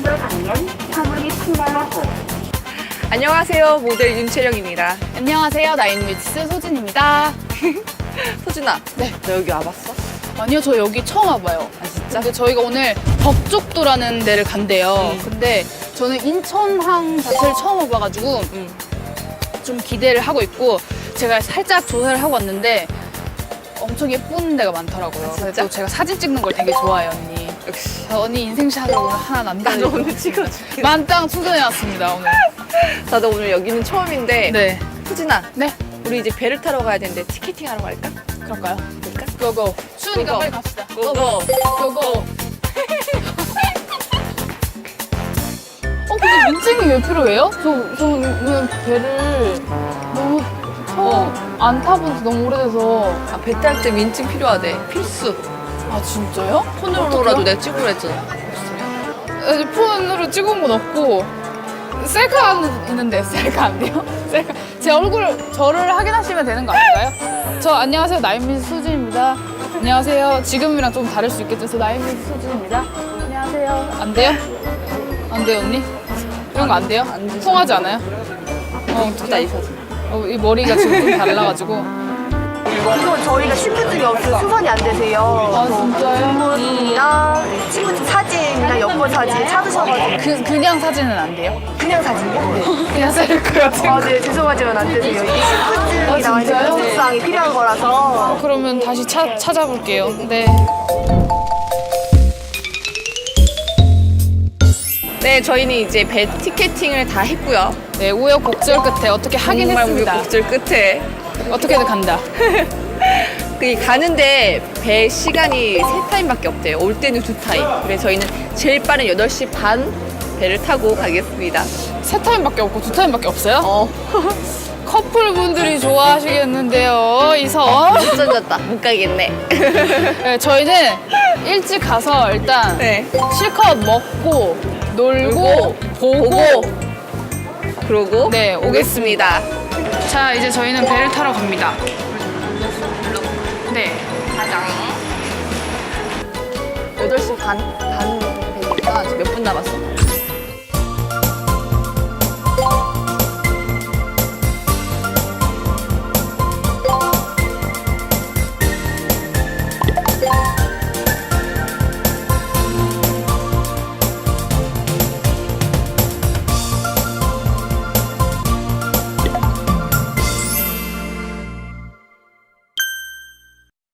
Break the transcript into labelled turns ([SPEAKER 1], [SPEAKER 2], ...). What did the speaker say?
[SPEAKER 1] 더 가면 화물이 풍랑하고.
[SPEAKER 2] 안녕하세요, 모델 윤채령입니다.
[SPEAKER 3] 안녕하세요. 나인뮤지스 소진입니다.
[SPEAKER 2] 소진아,
[SPEAKER 3] 네.
[SPEAKER 2] 너 여기 와봤어?
[SPEAKER 3] 아니요, 저 여기 처음 와봐요.
[SPEAKER 2] 아, 진짜?
[SPEAKER 3] 근데 저희가 오늘 덕족도라는 데를 간대요. 근데 저는 인천항 자체를 처음 와봐가지고 좀 기대를 하고 있고, 제가 살짝 조사를 하고 왔는데 엄청 예쁜 데가 많더라고요.
[SPEAKER 2] 아, 진짜?
[SPEAKER 3] 그래서 제가 사진 찍는 걸 되게 좋아해요, 언니.
[SPEAKER 2] 역시.
[SPEAKER 3] 언니 인생샷을 오늘 하나
[SPEAKER 2] 나도
[SPEAKER 3] 남겨드리고
[SPEAKER 2] 오늘 찍어줄게.
[SPEAKER 3] 만땅 투전해왔습니다, 오늘.
[SPEAKER 2] 나도 오늘 여기는 처음인데.
[SPEAKER 3] 네.
[SPEAKER 2] 소진아,
[SPEAKER 3] 네,
[SPEAKER 2] 우리 이제 배를 타러 가야 되는데 티켓팅 하러 갈까?
[SPEAKER 3] 그럴까요?
[SPEAKER 2] 그럴까?
[SPEAKER 3] 고고. 추우니까
[SPEAKER 2] 고고.
[SPEAKER 3] 빨리 갑시다.
[SPEAKER 2] 고고.
[SPEAKER 3] 고고. 근데 민증이 왜 필요해요? 저는 배를 너무 처음 안 타본 지 너무 오래돼서.
[SPEAKER 2] 아, 배 탈 때 민증 필요하대. 필수.
[SPEAKER 3] 아, 진짜요?
[SPEAKER 2] 폰으로라도 내가 찍으라 했잖아.
[SPEAKER 3] 아니, 폰으로 찍은 건 없고, 셀카 있는데 셀카 안 돼요? 셀카. 제 얼굴, 저를 확인하시면 되는 거 아닐까요? 저 안녕하세요. 나인뮤지스 수진입니다. 안녕하세요. 지금이랑 좀 다를 수 있겠죠? 저 나인뮤지스 수진입니다. 안녕하세요. 안 돼요? 안 돼요, 언니? 이런 거 안 돼요?
[SPEAKER 2] 안 되죠.
[SPEAKER 3] 통하지 않아요?
[SPEAKER 2] 이쁘다, 이 사진.
[SPEAKER 3] 이 머리가 지금 좀 달라가지고.
[SPEAKER 4] 이거 저희가 신분증이 없어서 수선이 안 되세요.
[SPEAKER 3] 아, 진짜요?
[SPEAKER 4] 신분증이랑 신분증 사진이랑 여권 사진 찾으셔가지고
[SPEAKER 3] 그냥 사진은 안 돼요?
[SPEAKER 4] 그냥 사진이요?
[SPEAKER 3] 그냥 셀카 같은
[SPEAKER 4] 아,
[SPEAKER 3] 거.
[SPEAKER 4] 네, 죄송하지만 안 되세요. 이게 신분증이
[SPEAKER 3] 아,
[SPEAKER 4] 나와 있는
[SPEAKER 3] 진짜요?
[SPEAKER 4] 공직사항이 필요한 거라서.
[SPEAKER 3] 그러면 다시 찾아볼게요. 네.
[SPEAKER 2] 네, 저희는 이제 배 티켓팅을 다 했고요.
[SPEAKER 3] 네, 우여곡절 끝에 어떻게 하긴
[SPEAKER 2] 정말
[SPEAKER 3] 했습니다.
[SPEAKER 2] 우여곡절 끝에.
[SPEAKER 3] 어떻게든 간다.
[SPEAKER 2] 그 가는데 배 시간이 3타임밖에 없대요. 올 때는 2타임. 그래서 저희는 제일 빠른 8시 반 배를 타고 가겠습니다.
[SPEAKER 3] 3타임밖에 없고 2타임밖에 없어요?
[SPEAKER 2] 어,
[SPEAKER 3] 커플분들이 좋아하시겠는데요, 이 섬.
[SPEAKER 2] 못 젖었다. 못 가겠네.
[SPEAKER 3] 네, 저희는 일찍 가서 일단
[SPEAKER 2] 네.
[SPEAKER 3] 실컷 먹고 놀고
[SPEAKER 2] 놀고,
[SPEAKER 3] 보고.
[SPEAKER 2] 그러고
[SPEAKER 3] 네,
[SPEAKER 2] 오겠습니다.
[SPEAKER 3] 자, 이제 저희는 배를 타러 갑니다. 네.
[SPEAKER 2] 가장 8시 반 배니까 지금 몇 분 남았어?